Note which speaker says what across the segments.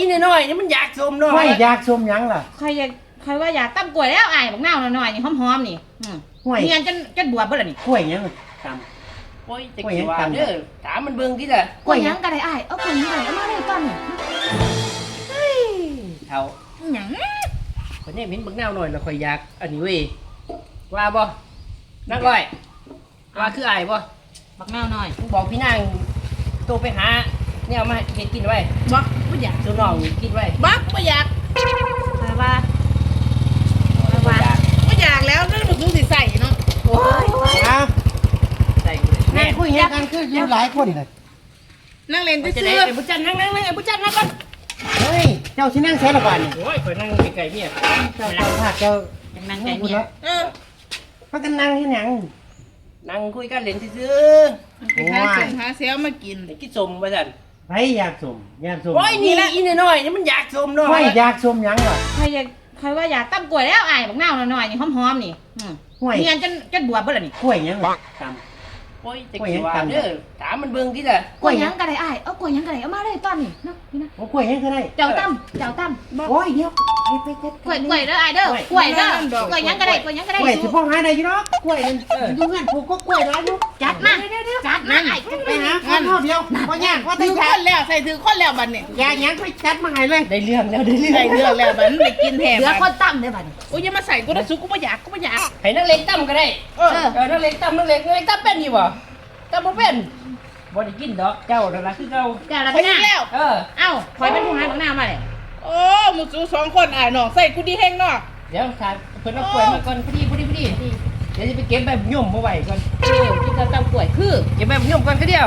Speaker 1: น้อยนี่มันอยากสมเนาะ
Speaker 2: ไม่อยากชมหยังล่ะ
Speaker 3: ใครว่าอยากตั้มกล้วยแล้วอ้ายบักนาวหน่อยๆนี่หอมๆนี่
Speaker 2: ห่วย
Speaker 3: เนียนจนบวบเบิดล่ะนี่
Speaker 2: กล้วยหยังต
Speaker 1: โอ้ยจะกี่ว่าเด้อถามมันเบิ่งที่ละ
Speaker 3: กล้วยหยังก็ได้อ้ายเอากล้วยหยังก็ได้เอามาเลยตอนนี้เฮ้ย
Speaker 1: เท่า
Speaker 3: หยัง
Speaker 1: คนนี้เห็นบักแนวหน่อยแล้วค่อยอยากอันนี้เว้ยว่าบ่นักร้อยว่าคืออายบ่
Speaker 3: บักนาวหน่อย
Speaker 1: มึงบอกพี่นางโตไปหาเนี่ยเอามาเฮ็ดกินไว้
Speaker 4: บักไม่อยาก
Speaker 1: ตัวน้องนี่กินไว้
Speaker 4: บักไม่อยาก
Speaker 3: ใครว่า
Speaker 1: บ่อยาก
Speaker 4: ไม่อยากแล้วนั่นมันคือสิใส่เนาะ
Speaker 1: โอ้ย
Speaker 2: ำอ้าว
Speaker 1: ใส่กูเลย
Speaker 2: นั่
Speaker 1: แม่
Speaker 2: งคุยหยังกันคืออยู่หลายคนเลย
Speaker 4: นั่งเล่น
Speaker 1: จะ
Speaker 4: ซื่
Speaker 1: ได้
Speaker 4: อ
Speaker 1: ไอ้บุญจันทร์นั่งไอ้บุญจันทร์นั่งก่อน
Speaker 2: เฮ้ยเจ้าสินั่งใช้ละบาดนี่
Speaker 1: โอ้ยข่อยนั่งไกลๆเนี่ย
Speaker 2: เจ้าภาคเจ้า
Speaker 3: จังนั่งใจเมีย
Speaker 2: พากันนั่งที่หยัง
Speaker 1: นั่งคุยกันเล่นซื่อ
Speaker 4: ไปหาเสียงหาเซลมากิน
Speaker 1: ๆไอ้กินสมว่าซั่น
Speaker 2: ไผอยากชมอยากชม
Speaker 1: โอ้ยนี่อีน้อยนี่มันอยากสมเนาะ
Speaker 2: ไม่อยากชมหยังล่ะ
Speaker 3: ใครว่าอยากตั้มกล้วยแล้วอ้ายบักนาวหน่อยๆนี่หอมๆนี่
Speaker 2: ห่วย
Speaker 3: เนียนจนบวบเบิดล่ะนี่
Speaker 2: กล้วยหยังต
Speaker 1: โอ้ยจะกี่ว่าเด้อถามมันเบิ่งที่ละ
Speaker 3: กล้วยหยังก็ได้อ้ายเอากล้วยหยังก็ได้เอามาเลยตอนนี้เนาะนี่นะ
Speaker 2: ำโอ้กล้วยหยังก็ได้
Speaker 3: เจ้าตั้ม
Speaker 2: โอ้ยเดี๋ยวไป
Speaker 3: กล้วยเด้ออ้ายเด้อกล้วยเด้อกล้วยหยังก็ได้กล้วยหยังก็ได้
Speaker 2: กล้วยสิพ่อหาได้อยู่เนาะกล้วยนั่นอยู่งั้นปลูกก็กล้วยหลายอยู่
Speaker 3: จัดมาจัดมาอ้าย
Speaker 2: ไปหาคนเท่าเดียวบ่ยากว่า
Speaker 4: ถื
Speaker 2: แต่
Speaker 4: อคนแล้วใส่ถือคนแล้วบัดนี้
Speaker 2: อยากหยังไปจัดมาให้เลย
Speaker 1: ได้เรื่องแล้วได้เรื่อง
Speaker 4: ใส่เรื่องแล้วบัดนี้ไปกินแถม
Speaker 3: เหลือคนตั้มเด้อบัดนี้
Speaker 4: โอ้ยอย่ามาใส่กูนะสุกูไม่อยากกูไม่อยาก
Speaker 1: ให้นักเลงตั้มก็ได้
Speaker 4: เออ
Speaker 1: นักเลงตั้มเป็นอยู่บ่ตั้มบ่เป็นบ่ได้กินดอกเจ้านั่นล่ะคือเก่า
Speaker 3: เจ้าละ
Speaker 4: ไป
Speaker 3: พี่
Speaker 4: กิ
Speaker 3: นาน
Speaker 4: แล้ว
Speaker 1: เออ
Speaker 3: เอ้าคอยเป็นผู้หาบักนาวมาเลย
Speaker 4: โอ้มึงสู้สองคนอ่ายน้องใส่กูดีแห้งเนาะ
Speaker 1: เดี๋ยวถ้าเพิ่นเอากล้วยมาก่อนพอดีเดี๋ยวจะไปเก็บใบยุ่มมาไว้ก่อน
Speaker 3: กินกับตั้มกล้วยคือ
Speaker 1: เก็บใบยุ่มก่อนก็เดียว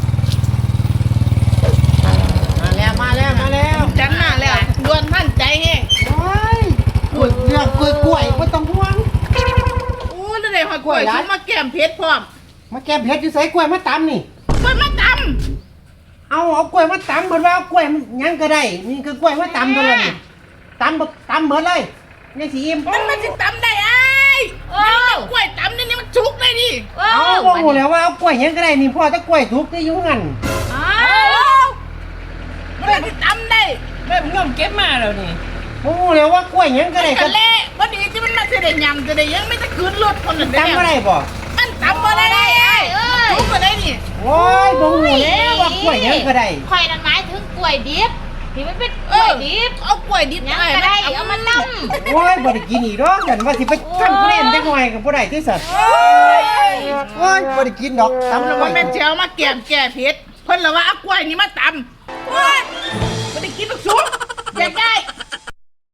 Speaker 2: มาแล้ว
Speaker 4: จันหน้าแล้วดวนท่านใจแห้ง
Speaker 2: โอ้ยกล้วยเรื่องกล้วยบ่ต้องห่วง
Speaker 4: โอ้นั่นเลยหอยกล้วยซุมาแก้มเพชรพร้อม
Speaker 2: มาแก้เพชรอยู่ใส่กล้วยมาตำนี่
Speaker 4: กล้วยมาต
Speaker 2: เอากล้วยมาตำเพิ่นว่าเอากล้วยมันหยังก็ได้นี่คือกล้วยมาตำตัวละนี่ตำหมดเลยนี่สิอิ่ม
Speaker 4: ำมันสิตำได้อ้าย
Speaker 3: โอ้
Speaker 4: กล้วยตำนี่มันชุกเลยดิ
Speaker 2: เอาบ่ฮู้แล้วว่าเอากล้วยหยังก็ได้นี่พ่อแต่กล้วยสุกที่อยู่งั้น
Speaker 4: มันสิตำได้
Speaker 1: ใบยุ่มเก็บมาแล้วนี่
Speaker 2: บ่ฮู้แล้วว่ากล้วยหยังก็ได้
Speaker 4: กันเละพอดีที่มันมาเสด็จยำจะได้ยังไม่จะคืนรถคนนั้น
Speaker 2: ตำบ่ได้บ่
Speaker 4: มันตำบ่ได้ไอ้ชุกก็ได้นี่
Speaker 2: โอ้ยบ่ฮู้แล้วว่ากล้วยหยังก็ได้
Speaker 3: คอยนั่นหมายถึงกล้วยดิบที่มันเป็นกล้วยดิบ
Speaker 4: เอากล้วยดิบ
Speaker 3: ยังก็ได้เอามาตั้ม
Speaker 2: โอ้ยบ่ได้กินอีกดอกกันว่าสิไปทำเพลนจังหน่อยก็บ่ได้ที่สัตว์โอ้ยบ่ได้กินดอกตำ
Speaker 4: แล้
Speaker 2: แล้ว ว
Speaker 4: ว่า
Speaker 2: ว่า
Speaker 4: แม่เจ้ามาแก้มแก้เพชรเพิ่นละว่าเอากล้วยนี่มาตำโอ้ยบ่ได้กินลูกชุบ